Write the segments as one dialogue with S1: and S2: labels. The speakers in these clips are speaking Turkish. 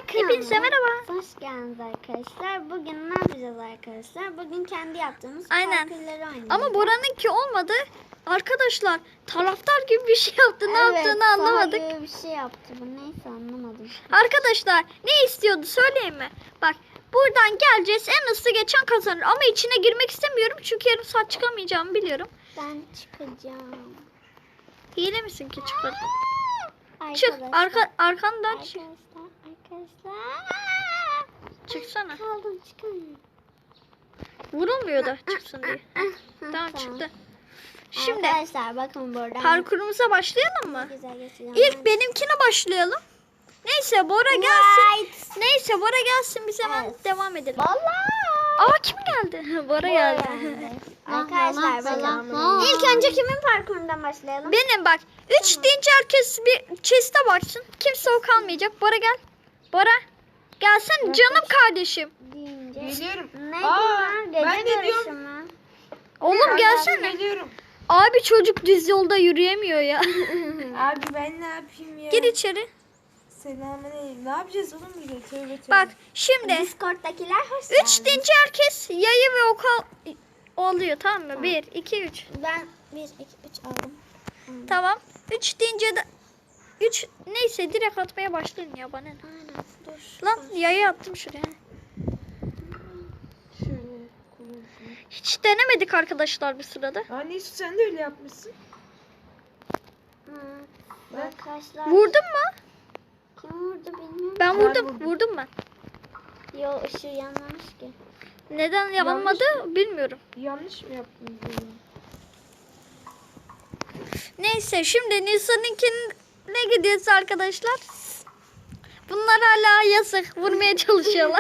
S1: Hepinize merhaba.
S2: Hoş geldiniz arkadaşlar. Bugün ne yapacağız arkadaşlar? Bugün kendi yaptığımız
S1: Aynen.
S2: parkurları oynayacağız.
S1: Ama Bora'nınki olmadı. Arkadaşlar taraftar gibi bir şey yaptı. Ne yaptığını anlamadık.
S2: Evet, bir şey yaptı bu. Neyse anlamadım.
S1: Arkadaşlar ne istiyordu söyleyeyim mi? Bak buradan geleceğiz. En hızlı geçen kazanır. Ama içine girmek istemiyorum. Çünkü yarım saat çıkamayacağımı biliyorum.
S2: Ben çıkacağım.
S1: Hile misin ki çıkar?
S2: Arkadaşlar.
S1: Çık. Arkandan çık.
S2: Arkadaşlar.
S1: Çıksana.
S2: Kaldım çıkamıyorum.
S1: Vurulmuyor da çıksın diye. Tamam çıktı. Şimdi
S2: Arkadaşlar bakın buradan.
S1: parkurumuza başlayalım mı?
S2: Güzel geçeceğim.
S1: İlk benimkine başlayalım. Neyse Bora gelsin. Neyse Bora gelsin biz hemen
S2: Evet.
S1: devam edelim.
S2: Vallahi.
S1: Aa kim geldi? Bora geldi.
S2: Arkadaşlar bakın. İlk önce kimin parkurundan başlayalım?
S1: Benim bak. 3 deyince herkes bir chest'e baksın. Kimse o kalmayacak. Bora gel. Bora. Gelsen canım kardeşim.
S2: Deyince.
S3: Geliyorum.
S2: Ne
S3: Aa,
S2: diyor?
S3: ben
S2: Gece
S3: de
S2: görüşü
S3: diyorum.
S2: mü?
S1: Oğlum gelsene.
S3: Geliyorum.
S1: Abi çocuk düz yolda yürüyemiyor ya.
S3: Abi ben ne yapayım ya?
S1: Gir içeri.
S3: Selamünaleyküm. Ne yapacağız oğlum burada? Tövbe tövbe.
S1: Bak şimdi
S2: Discord'dakiler hoş
S1: 3
S2: geldiniz.
S1: deyince herkes yayı ve oku oluyor tamam mı? 1, 2, 3.
S2: Ben 1, 2, 3 aldım.
S1: Tamam. 3 deyince de 3 neyse direkt atmaya başlayın ya bana ne.
S2: Aynen dur.
S1: Lan yayı attım şuraya.
S3: Şöyle koyayım.
S1: Hiç denemedik arkadaşlar bu sırada.
S3: Aa Neyse sen de öyle yapmışsın.
S2: Hı. Arkadaşlar.
S1: Vurdun mu?
S2: Kim vurdu bilmiyorum.
S1: Ben
S3: Ben
S1: vurdum.
S3: vurdum.
S1: Vurdum ben.
S2: Yo ışığı yanmamış ki.
S1: Neden yanmadı bilmiyorum.
S3: Yanlış mı yaptınız bunu?
S1: Neyse şimdi Nisan'ınkine gidiyoruz arkadaşlar. Bunlar hala yasak. Vurmaya çalışıyorlar.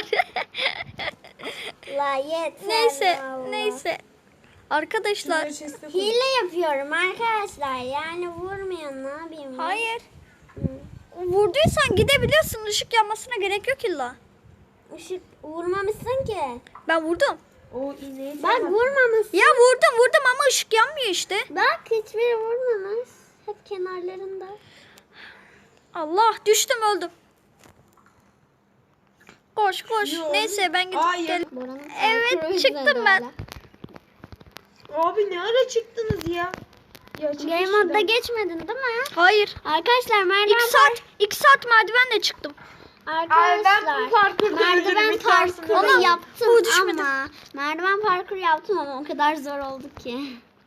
S2: La yeter.
S1: neyse.
S2: vallahi.
S1: Neyse. Arkadaşlar.
S3: Şuraya chest'e koy.
S2: Hile yapıyorum arkadaşlar. Yani vurmayan ne yapayım?
S1: Hayır.
S2: Hı.
S1: Vurduysan gidebiliyorsun. Işık yanmasına gerek yok illa.
S2: Işık vurmamışsın ki.
S1: Ben vurdum.
S3: O iğneyi
S2: Bak vurmamışsın.
S1: Ya vurdum ama ışık yanmıyor işte.
S2: Bak hiçbiri vurmamış. Hep kenarlarında.
S1: Allah düştüm öldüm. Koş koş.
S3: Yo.
S1: Neyse ben gidip
S3: Hayır.
S1: gel.
S2: Bora'nın
S1: Evet,
S2: parkuru
S1: çıktım
S2: güzel
S1: ben.
S2: hala.
S3: Abi ne ara çıktınız ya? Ya çıkın
S2: Game
S3: şuradan.
S2: modda geçmedin değil mi?
S1: Hayır.
S2: Arkadaşlar
S1: 2 saat merdivenle çıktım.
S2: Arkadaşlar
S3: ben bu parkurda
S2: merdiven
S3: ölürüm,
S2: parkuru
S1: Ona-
S2: yaptım
S1: bu düşmedi.
S2: ama merdiven parkuru yaptım ama o kadar zor oldu ki.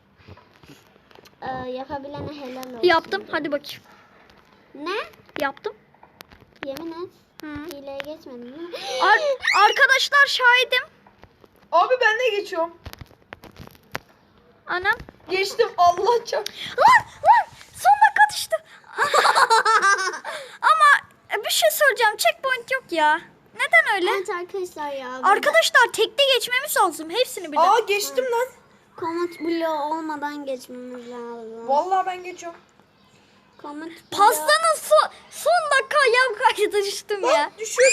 S2: Yapabilene helal olsun.
S1: Yaptım. Hadi bakayım.
S2: Ne?
S1: Yaptım.
S2: Yemin et.
S1: Hı.
S2: Hileye geçmedin değil mi?
S1: Arkadaşlar şahidim.
S3: Abi ben de geçiyorum.
S1: Anam.
S3: Geçtim Allah çok.
S1: Lan son dakika düştü. Ama bir şey söyleyeceğim. Checkpoint yok ya. Neden öyle?
S2: Evet arkadaşlar ya. burada
S1: Arkadaşlar tekte geçmemiz lazım. Hepsini birden.
S3: Aa geçtim lan.
S2: komut bloğu olmadan geçmemiz lazım.
S3: Vallahi ben geçiyorum.
S2: Komut bloğu.
S1: Pastanın son dakika ayağım kaydı düştüm ya.
S3: Lan düşüyorum.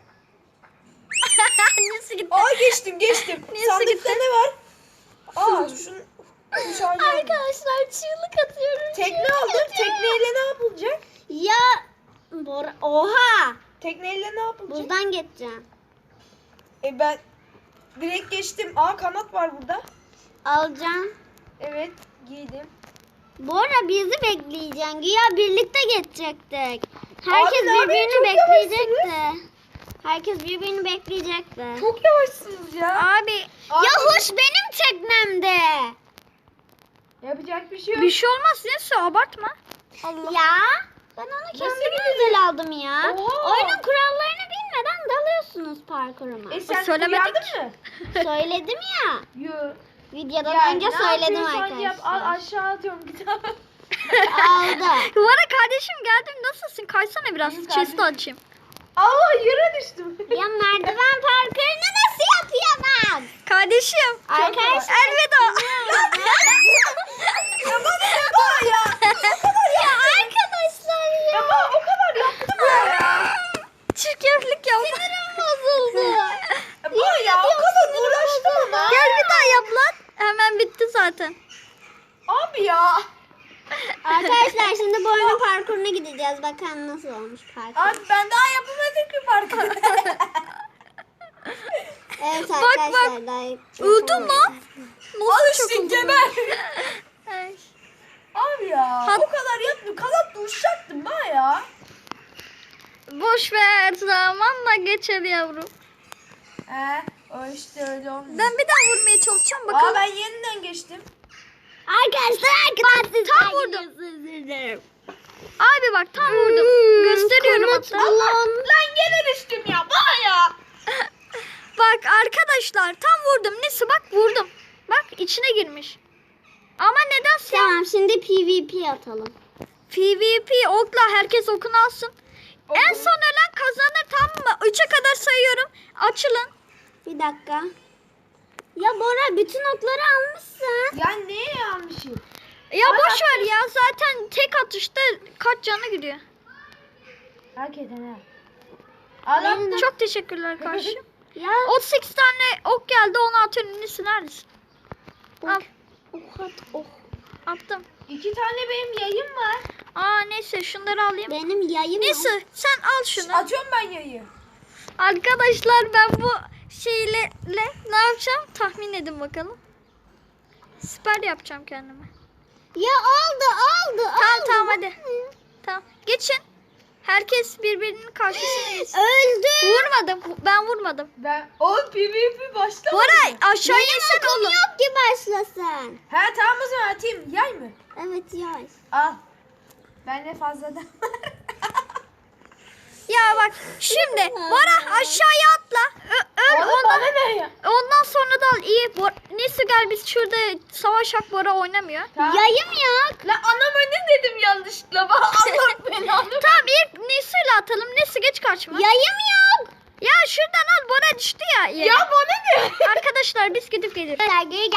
S1: Annesi gitti.
S3: Aa geçtim.
S1: Neyse,
S3: Sandıkta
S1: gitti.
S3: ne var? Aa şunu dışarıda aldım.
S2: Arkadaşlar çığlık atıyorum.
S3: Tekne
S2: çığlık
S3: aldım.
S2: atıyorum.
S3: Tekneyle ne yapılacak?
S2: Ya Bora, oha.
S3: Tekneyle ne yapılacak?
S2: Buradan geçeceğim.
S3: Ben direkt geçtim. Aa kanat var burada.
S2: Alacağım.
S3: Evet giydim.
S2: Bora bizi bekleyeceksin. Güya birlikte geçecektik. Herkes
S3: Abi, ne yapayım?
S2: birbirini
S3: Çok
S2: bekleyecekti. Herkes birbirini bekleyecekti.
S3: Çok yavaşsınız ya.
S1: Abi
S2: Ya hoş benim teknemde.
S3: Yapacak bir şey yok.
S1: bir şey olmaz. Neyse abartma. Allah.
S2: Ya ben onu kendime
S3: gidiyor?
S2: özel aldım ya.
S3: Oha.
S2: Oyunun kurallarını bilmeden dalıyorsunuz parkuruma.
S3: Sen
S1: Söylemedik.
S3: uyandın mı?
S2: Söyledim ya.
S3: Yok.
S2: Videodan önce söyledim
S3: Yap, al
S2: arkadaşlar.
S3: aşağı atıyorum kitap.
S2: Aldı.
S1: Duvara kardeşim geldim. Nasılsın? Kaysana biraz.
S3: İyiyim
S1: Chest'i
S3: kardeşim.
S1: açayım.
S3: Allah yere düştüm.
S2: Ya merdiven parkurunu nasıl yapayım?
S1: Kardeşim.
S2: Arkadaşlar.
S1: Elveda.
S3: Ya bana ne var ya?
S2: Ya arkadaşlar ya.
S3: Ya bana o kadar yaptım ya.
S1: Çirkeflik yap.
S2: Sinirim bozuldu.
S3: Ya bana ya o kadar uğraştım ama.
S1: Gel bir daha yap lan. Hemen bitti zaten.
S3: Abi ya.
S2: Arkadaşlar şimdi bu oyunun parkuruna gideceğiz. Bakalım nasıl olmuş parkur.
S3: Abi ben daha yapamadım ki parkur.
S2: Evet
S1: Bak,
S2: arkadaşlar.
S1: Öldüm lan.
S3: Al işte geber.
S1: Ay.
S3: Abi ya o kadar yapmıyor. Kanatla uçacaktım ben ya.
S1: Boş ver, zamanla geçer yavrum.
S3: O işte öyle olmuyor.
S1: Ben bir daha vurmaya çalışacağım bakalım.
S3: Ben yeniden geçtim.
S2: Arkadaşlar
S1: tam vurdum. Abi bak tam vurdum. Gösteriyorum hatta.
S3: Lan gene düştüm ya. Bana ya.
S1: Bak arkadaşlar tam vurdum. Neyse bak vurdum. Bak içine girmiş. Ama nedense
S2: Tamam şimdi PvP atalım.
S1: PvP okla herkes okunu alsın. En son ölen kazanır, tamam mı? 3'e kadar sayıyorum. Açılın.
S2: Bir dakika. Ya Bora bütün okları almışsın.
S3: Ya neye yanlışım?
S1: Ya boş ver ya, zaten tek atışta kaç canı gidiyor.
S3: Hakikaten ha. Adam
S1: Çok teşekkürler kardeşim.
S2: Ya
S1: 38 tane ok geldi, onu atıyorum. Nesi neredesin? Al,
S2: ok at ok.
S1: attım.
S3: 2 tane benim yayım var.
S1: Neyse şunları alayım.
S2: Benim yayım
S1: Neyse sen al şunu.
S3: Atıyorum ben yayı.
S1: Arkadaşlar ben bu şeyle ne yapacağım? Tahmin edin bakalım. Siper yapacağım kendime.
S2: Ya aldı.
S1: Tamam hadi. Tamam. Geçin. Herkes birbirinin karşısına geçsin.
S2: Öldü.
S1: Vurmadım. Ben vurmadım.
S3: O PvP başlamadı.
S1: Bora aşağıya
S2: Benim
S1: insen
S2: okum
S1: oğlum.
S2: yok ki başlasın.
S3: Tamam o zaman atayım. Yay mı?
S2: Evet yay.
S3: Al. Bende fazladan var.
S1: Ya bak şimdi Bora aşağıya atla. Öl
S3: Oğlum
S1: ondan,
S3: bana ne ya?
S1: ondan sonra da al. İyi. Neyse gel biz şurada savaşak, Bora oynamıyor.
S3: Tamam.
S2: Yayım yok.
S3: La anama ne dedim yanlışlıkla? Bana Allah belanı.
S1: Tamam ilk Nisu'yla atalım. Nisu geç karşıma.
S2: Yayım yok.
S1: Ya şuradan al, Bora düştü ya.
S3: Ya bana ne?
S1: Arkadaşlar biz gidip geliyoruz.
S2: Geri